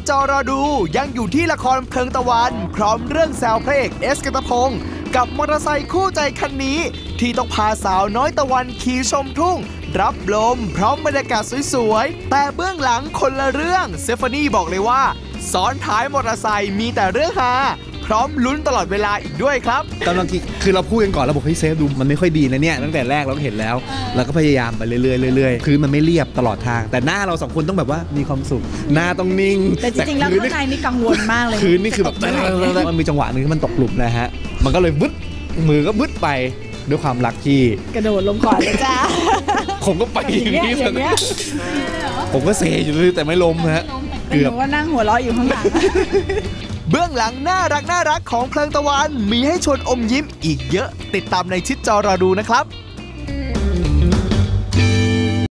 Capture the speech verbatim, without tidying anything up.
จอรอดูยังอยู่ที่ละครเพลิงตะวันพร้อมเรื่องแซวพระเอกเอสกันตพงศ์กับมอเตอร์ไซค์คู่ใจคันนี้ที่ต้องพาสาวน้อยตะวันขี่ชมทุ่งรับลมพร้อมบรรยากาศสวยๆแต่เบื้องหลังคนละเรื่องเซฟานี่บอกเลยว่าซ้อนท้ายมอเตอร์ไซค์มีแต่เรื่องฮาพร้อมลุ้นตลอดเวลาอีกด้วยครับกำลังคือเราพูดกันก่อนเราบอกให้เซฟดูมันไม่ค่อยดีนะเนี่ยตั้งแต่แรกเราก็เห็นแล้วเราก็พยายามไปเรื่อยๆเรื่อยๆคือมันไม่เรียบตลอดทางแต่หน้าเราสองคนต้องแบบว่ามีความสุขหน้าต้องนิ่งแต่จริงๆแล้วข้างในนี่กังวลมากเลยคือนี่คือแบบมันมีจังหวะนึงที่มันตกหลุมนะฮะมันก็เลยบึ๊ดมือก็บึ๊ดไปด้วยความรักที่กระโดดลงก่อนเลยจ้าผมก็ไปอย่างนี้ผมก็เซอยู่เลยแต่ไม่ล้มฮะเกือบว่านั่งหัวเราะอยู่ข้างหลังเบื้องหลังน่ารักน่ารักของเพลิงตะวันมีให้ชวนอมยิ้มอีกเยอะติดตามในชิดจอรอดูนะครับ